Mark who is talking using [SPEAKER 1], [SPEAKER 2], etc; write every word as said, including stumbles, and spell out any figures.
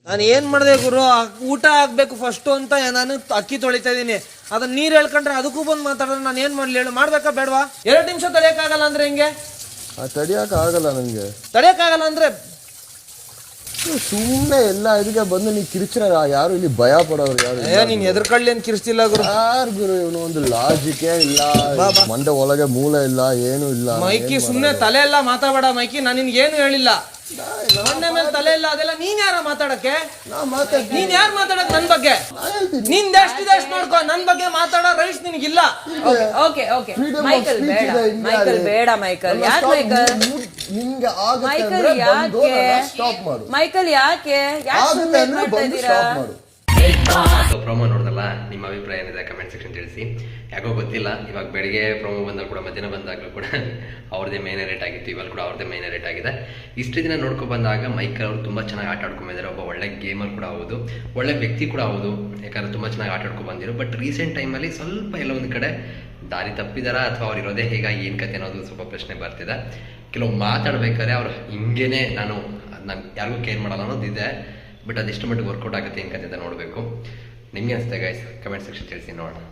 [SPEAKER 1] ನಾನು ಏನು ಮಾಡಿದೆ ಗುರು, ಊಟ ಆಗಬೇಕು ಫಸ್ಟು ಅಂತ ನಾನು ಅಕ್ಕಿ ತೊಳಿತಾ ಇದ್ದೀನಿ. ಅದನ್ನ ನೀರು ಹೇಳ್ಕೊಂಡ್ರೆ ಅದಕ್ಕೂ ಬಂದು ಮಾತಾಡಿದ್ರೆ ನಾನು ಏನು ಮಾಡಲಿ ಹೇಳು? ಮಾಡ್ಬೇಕಾ ಬೇಡವಾ? ಎರಡು ನಿಮಿಷ ತಡೆಯೋಕ್ಕಾಗಲ್ಲ ಅಂದ್ರೆ ಹೆಂಗೆ?
[SPEAKER 2] ತಡಿಯೋಕೆ ಆಗಲ್ಲ ನನಗೆ.
[SPEAKER 1] ತಡೆಯೋಕ್ಕಾಗಲ್ಲ ಅಂದ್ರೆ
[SPEAKER 2] ಸುಮ್ಮನೆ ಎಲ್ಲ ಇದಕ್ಕೆ ಬಂದು ನೀ ಕಿರಿಚ್ರ ಯಾರು ಇಲ್ಲಿ ಭಯ ಪಡೋರು ಯಾರು?
[SPEAKER 1] ಏ ನೀನು ಎದುರುಕಳ್ಳಿ ಏನು ಕಿರಿಸ್ತಿಲ್ಲ ಗುರು.
[SPEAKER 2] ಯಾರು ಗುರು ಇವನು? ಒಂದು ಲಾಜಿಕೇ ಇಲ್ಲ, ಮಂಡೆ ಒಳಗೆ ಮೂಲ ಇಲ್ಲ, ಏನು ಇಲ್ಲ.
[SPEAKER 1] ಮೈಕಿ ಸುಮ್ಮನೆ ತಲೆ ಎಲ್ಲ ಮಾತಾಡಬೇಡ ಮೈಕಿ, ನಾನು ನಿನ್ಗೆ ಏನು ಹೇಳಿಲ್ಲ. ಮಂಡೆ ಮೇಲೆ ತಲೆ ಇಲ್ಲ ಅದೆಲ್ಲ ನೀನ್ ಯಾರ ಮಾತಾಡಕ್ಕೆ? ನೀನ್ ಯಾರು ಮಾತಾಡಕ್ ನನ್ ಬಗ್ಗೆ? ನಿನ್ ಎಷ್ಟು ಎಷ್ಟು ನೋಡ್ಕೊ, ನನ್ ಬಗ್ಗೆ ಮಾತಾಡೋ ರೈಟ್ಸ್ ನಿನಗಿಲ್ಲ.
[SPEAKER 3] ಓಕೆ ಓಕೆ ಮೈಕಲ್ ಬೇಡ, ಮೈಕಲ್ ಬೇಡ, ಮೈಕಲ್ ಯಾಕೆ ಮೈಕಲ್?
[SPEAKER 2] ನಿಂಗೆ
[SPEAKER 3] ಮೈಕಲ್ ಯಾಕೆ? ಮೈಕಲ್ ಯಾಕೆ ಯಾಕೆ ಮಾಡ್ತಾ ಇದ್ದೀರಾ?
[SPEAKER 4] ಪ್ರೋಮೋ ನೋಡಿದಲ್ಲ, ನಿಮ್ಮ ಅಭಿಪ್ರಾಯ ಏನಿದೆ ಕಮೆಂಟ್ ಸೆಕ್ಷನ್ ತಿಳಿಸಿ. ಯಾಕೋ ಗೊತ್ತಿಲ್ಲ, ಇವಾಗ ಬೆಳಿಗ್ಗೆ ಪ್ರೋಮೋ ಬಂದಾಗ ಕೂಡ ಮಧ್ಯಾಹ್ನ ಬಂದಾಗಲೂ ಕೂಡ ಅವ್ರದ್ದೇ ಮೇನ್ ರೇಟ್ ಆಗಿತ್ತು, ಇವಾಗ ಕೂಡ ಅವ್ರದ್ದೇ ಮೇನ್ ರೇಟ್ ಆಗಿದೆ. ಇಷ್ಟು ದಿನ ನೋಡ್ಕೊ ಬಂದಾಗ ಮೈಕಲ್ ಅವರು ತುಂಬ ಚೆನ್ನಾಗಿ ಆಟ ಆಡ್ಕೊಂಡಿದ್ದಾರೆ. ಒಬ್ಬ ಒಳ್ಳೆ ಗೇಮರ್ ಕೂಡ ಹೌದು, ಒಳ್ಳೆ ವ್ಯಕ್ತಿ ಕೂಡ ಹೌದು, ಯಾಕಂದರೆ ತುಂಬ ಚೆನ್ನಾಗಿ ಆಟ ಆಡ್ಕೊಂಡು ಬಂದಿರು. ಬಟ್ ರೀಸೆಂಟ್ ಟೈಮಲ್ಲಿ ಸ್ವಲ್ಪ ಎಲ್ಲ ಒಂದು ಕಡೆ ದಾರಿ ತಪ್ಪಿದಾರ ಅಥವಾ ಅವ್ರು ಇರೋದೇ ಹೇಗಾಗಿ ಏನು ಕತೆ ಅನ್ನೋದು ಸ್ವಲ್ಪ ಪ್ರಶ್ನೆ ಬರ್ತಿದೆ. ಕೆಲವು ಮಾತಾಡ್ಬೇಕಾದ್ರೆ ಅವ್ರು ಹಿಂಗೇನೆ ನಾನು ನಾನು ಯಾರಿಗೂ ಕೇರ್ ಮಾಡಲ್ಲ ಅನ್ನೋದಿದೆ. ಬಟ್ ಅದೆಷ್ಟು ಮಟ್ಟಿಗೆ ವರ್ಕೌಟ್ ಆಗುತ್ತೆ ಏನು ಕತೆ ಅಂತ ನೋಡಬೇಕು. ನಿಮಗೆ ಅನಿಸುತ್ತೆ ಗೈಸ್? ಕಮೆಂಟ್ ಸೆಕ್ಷನ್ ತಿಳಿಸಿ ನೋಡೋಣ.